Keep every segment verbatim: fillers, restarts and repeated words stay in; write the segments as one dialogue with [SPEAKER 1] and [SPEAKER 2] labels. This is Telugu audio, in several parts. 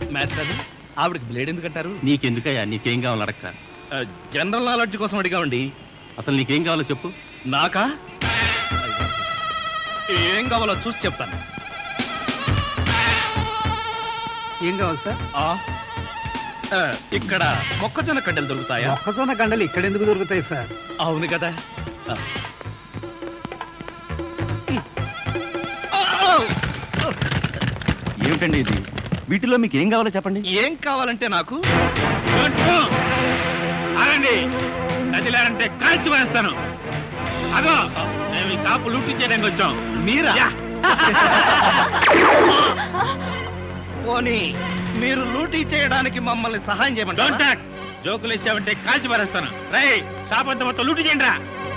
[SPEAKER 1] మాస్టర్ ఆవిడకి బ్లేడ్ ఎందుకంటారు?
[SPEAKER 2] నీకెందుకయ్యా? నీకేం కావాలి అడక్క.
[SPEAKER 1] జనరల్ నాలెడ్జ్ కోసం అడిగామండి.
[SPEAKER 2] అసలు నీకేం కావాలో చెప్పు.
[SPEAKER 1] నాకా? ఏం కావాలో చూసి చెప్తాను.
[SPEAKER 3] ఏం కావాలి సార్?
[SPEAKER 1] ఇక్కడ మొక్కజొన్న కండలు దొరుకుతాయా?
[SPEAKER 3] మొక్కజొన్న కండలు ఇక్కడ ఎందుకు దొరుకుతాయి సార్?
[SPEAKER 1] అవును కదా.
[SPEAKER 2] ఏమిటండి ఇది? వీటిలో మీకు ఏం కావాలో చెప్పండి.
[SPEAKER 1] ఏం కావాలంటే నాకు
[SPEAKER 4] అనండి, నదిలారంటే కాల్చి వేస్తాను. అదో మేము ఈ షాపు లూటీ చేయడానికి వచ్చాం.
[SPEAKER 1] మీరా? పోనీ మీరు లూటీ చేయడానికి మమ్మల్ని సహాయం చేయమంటారా?
[SPEAKER 4] జోకులు ఇచ్చావంటే కాల్చి పారేస్తాను. రై, షాప్ అంతా మొత్తం లూటీ చేయండి రా.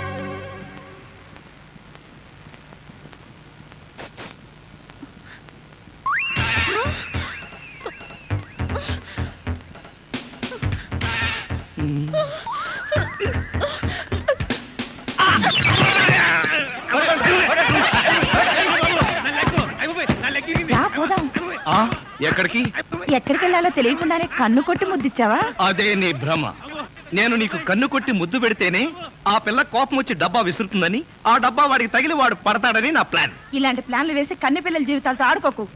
[SPEAKER 1] ఎక్కడికి
[SPEAKER 5] ఎక్కడికి వెళ్ళాలో తెలియకుండానే కన్ను కొట్టి ముద్దిచ్చావా?
[SPEAKER 1] అదే నీ భ్రమ. నేను నీకు కన్ను కొట్టి ముద్దు పెడితేనే ఆ పిల్ల కోపం వచ్చి డబ్బా విసురుతుందని, ఆ డబ్బా వాడికి తగిలి వాడు పడతాడని నా ప్లాన్.
[SPEAKER 5] ఇలాంటి ప్లాన్లు వేసి కన్నె పిల్లల జీవితాలతో ఆడుకోకు.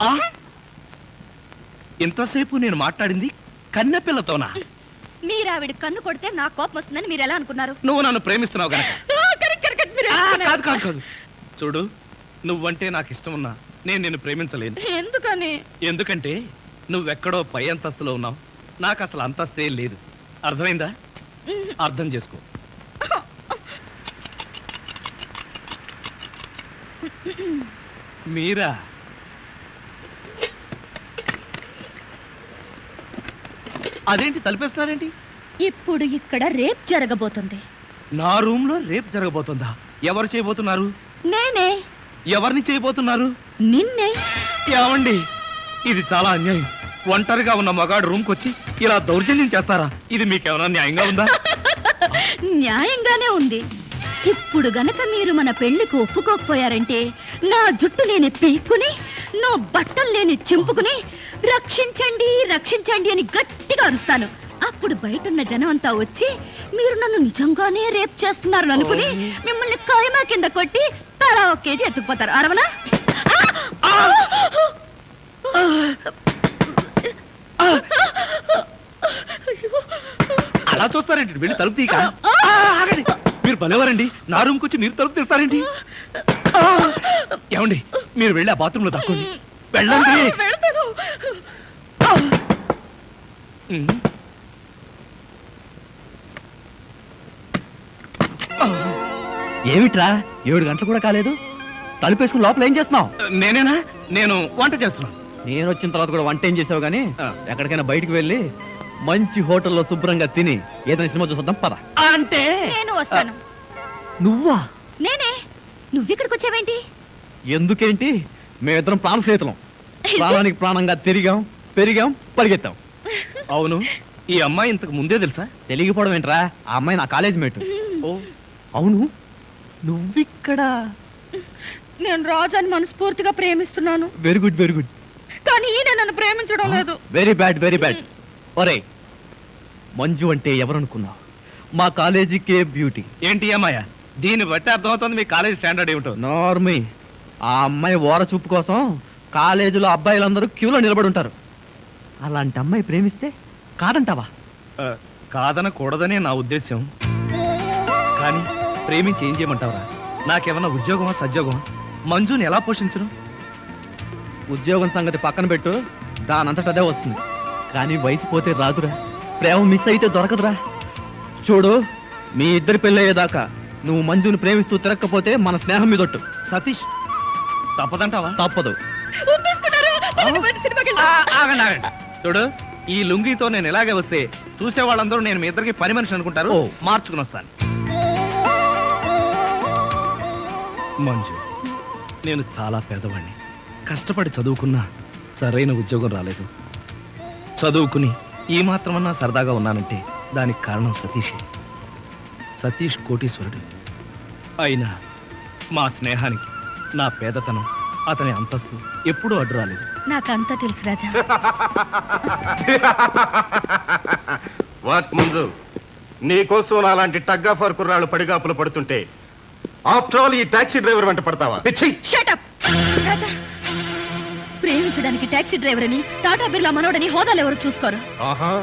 [SPEAKER 1] ఇంతసేపు నేను మాట్లాడింది కన్నె పిల్లతోనా?
[SPEAKER 6] మీరు ఆవిడ కన్ను కొడితే నా కోపం వస్తుందని మీరు ఎలా అనుకున్నారు?
[SPEAKER 1] నువ్వు నన్ను ప్రేమిస్తున్నావు గనక. కాదు కాదు కాదు చూడు, నువ్వంటే నాకు ఇష్టం ఉన్నా నేను నిన్ను ప్రేమించలేను.
[SPEAKER 6] ఎందుకని?
[SPEAKER 1] ఎందుకంటే నువ్వెక్కడో పై అంతస్తులో ఉన్నావు, నాకు అసలు అంతస్తే లేదు. అర్థమైందా? అర్థం చేసుకో. మీరా? అదేంటి తలిపేస్తున్నారేంటి?
[SPEAKER 6] ఇప్పుడు ఇక్కడ రేప్ జరగబోతుంది.
[SPEAKER 1] నా రూమ్ లో రేప్ జరగబోతుందా? ఎవరు చేయబోతున్నారు?
[SPEAKER 6] నేనే.
[SPEAKER 1] ఎవరిని చేయబోతున్నారు?
[SPEAKER 6] నిన్నే.
[SPEAKER 1] ఏమండి, ఇది చాలా అన్యాయం. ఒంటరిగా ఉన్న మగాడు రూమ్ కొచ్చి ఇలా దౌర్జన్యం చేస్తారా? ఇది మీకేమైనా న్యాయంగా ఉందా?
[SPEAKER 6] న్యాయంగానే ఉంది. ఇప్పుడు గనక మీరు మన పెళ్లికి ఒప్పుకోకపోయారంటే నా జుట్టు లేని పీక్కుని, నా బట్టలు లేని చింపుకుని రక్షించండి రక్షించండి అని గట్టిగా అరుస్తాను. అప్పుడు బయటున్న జనం అంతా వచ్చి మీరు నన్ను నిజంగానే రేప్ చేస్తున్నారు అనుకుని మిమ్మల్ని కాయమా కింద కొట్టి తలా ఒక కేజీ ఎత్తుకుపోతారు. అరవనా?
[SPEAKER 1] అలా చూస్తారేంటి? వెళ్ళి తలుపు తీక. మీరు భలేవారండి, నా రూమ్కి వచ్చి మీరు తలుపు తీస్తారేంటి? ఏమండి, మీరు వెళ్ళి ఆ బాత్రూంలో దక్కండి. వెళ్ళండి.
[SPEAKER 2] ఏమిట్రా, ఏడు గంటలు కూడా కాలేదు, తలుపేసుకుని లోపల ఏం చేస్తున్నావు?
[SPEAKER 1] నేనేనా? నేను వంట చేస్తున్నాను.
[SPEAKER 2] నేను వచ్చిన తర్వాత కూడా వంట ఏం చేసావు గానీ, ఎక్కడికైనా బయటకు వెళ్ళి మంచి హోటల్లో శుభ్రంగా తిని ఏదైనా సినిమా చూసొద్దాం పద.
[SPEAKER 1] అంటే
[SPEAKER 6] నేను వస్తాను.
[SPEAKER 2] నువ్వా?
[SPEAKER 6] నేనే. నువ్విక్కడికి వచ్చావేంటి?
[SPEAKER 2] ఎందుకేంటి, మేమిద్దరం ప్రాణ స్నేహితులం. ప్రాణానికి ప్రాణంగా తిరిగాం, పెరిగాం, పరిగెత్తాం.
[SPEAKER 1] అవును, ఈ అమ్మాయి ఇంతకు ముందే తెలుసా?
[SPEAKER 2] తెలియకపోవడం ఏంట్రా, ఆ అమ్మాయి నా కాలేజ్ మేట్.
[SPEAKER 1] ఓ
[SPEAKER 2] అవును, నువ్విక్కడ?
[SPEAKER 6] నేను రాజాని మనస్ఫూర్తిగా ప్రేమిస్తున్నాను.
[SPEAKER 2] Very good very good.
[SPEAKER 6] కానీ ఈయన నన్ను ప్రేమించడం లేదు.
[SPEAKER 2] Very bad very bad. ఒరే, మంజు అంటే ఎవరనుకున్నావు? మా కాలేజీకే బ్యూటీ.
[SPEAKER 1] ఏంటి అమ్మాయ? దీన్ని బట్టి అర్థమవుతుంది మీ కాలేజీ స్టాండర్డ్ ఏమిటో.
[SPEAKER 2] నార్మీ, ఆ అమ్మాయి ఓర చూపు కోసం కాలేజీలో అబ్బాయిలందరూ క్యూలో నిలబడి ఉంటారు. అలాంటి అమ్మాయి ప్రేమిస్తే కాదంటావా?
[SPEAKER 1] కాదనకూడదనే నా ఉద్దేశం. కానీ ప్రేమించి ఏం చేయమంటావరా? నాకేమన్నా ఉద్యోగమా సద్యోగమా? మంజుని ఎలా పోషించను?
[SPEAKER 2] ఉద్యోగం సంగతి పక్కన పెట్టు, దానంతట అదే వస్తుంది. కానీ వయసు పోతే రాదురా, ప్రేమ మిస్ అయితే దొరకదురా. చూడు, మీ ఇద్దరి పెళ్ళయ్యేదాకా నువ్వు మంజుని ప్రేమిస్తూ తిరగకపోతే మన స్నేహం మీదొట్టు.
[SPEAKER 1] సతీష్, తప్పదంటావా?
[SPEAKER 2] తప్పదు.
[SPEAKER 1] ఆగండి ఆగండి. చూడు, ఈ లుంగితో నేను ఇలాగే వస్తే చూసే వాళ్ళందరూ నేను మీ ఇద్దరికి పని మనిషి అనుకుంటారు. మార్చుకుని వస్తాను. మంజు, నేను చాలా పేదవాడిని. కష్టపడి చదువుకున్నా సరైన ఉద్యోగం రాలేదు. చదువుకుని ఈ మాత్రమన్నా సరదాగా ఉన్నానంటే దానికి కారణం సతీషే. సతీష్ కోటీశ్వరుడు అయినా మా స్నేహానికి నా పేదతనం
[SPEAKER 2] అతని అంతస్తు ఎప్పుడూ అడ్డు రాలేదు.
[SPEAKER 6] నాకంతా తెలుసు రాజా.
[SPEAKER 7] వాట్ ముందు నీకోసం అలాంటి టగ్గాఫర్ కుర్రాళ్ళు పడిగాపులు పడుతుంటే ఆఫ్టర్ ఆల్ ఈ టాక్సీ డ్రైవర్ వెంట పడతావా? పిచ్చి!
[SPEAKER 6] Shut up! రాజా, ప్రేమించడానికి టాక్సీ డ్రైవర్ అని టాటా బిర్లా మనోడని హోదాలు ఎవరు చూసుకోరు.
[SPEAKER 7] ఆహా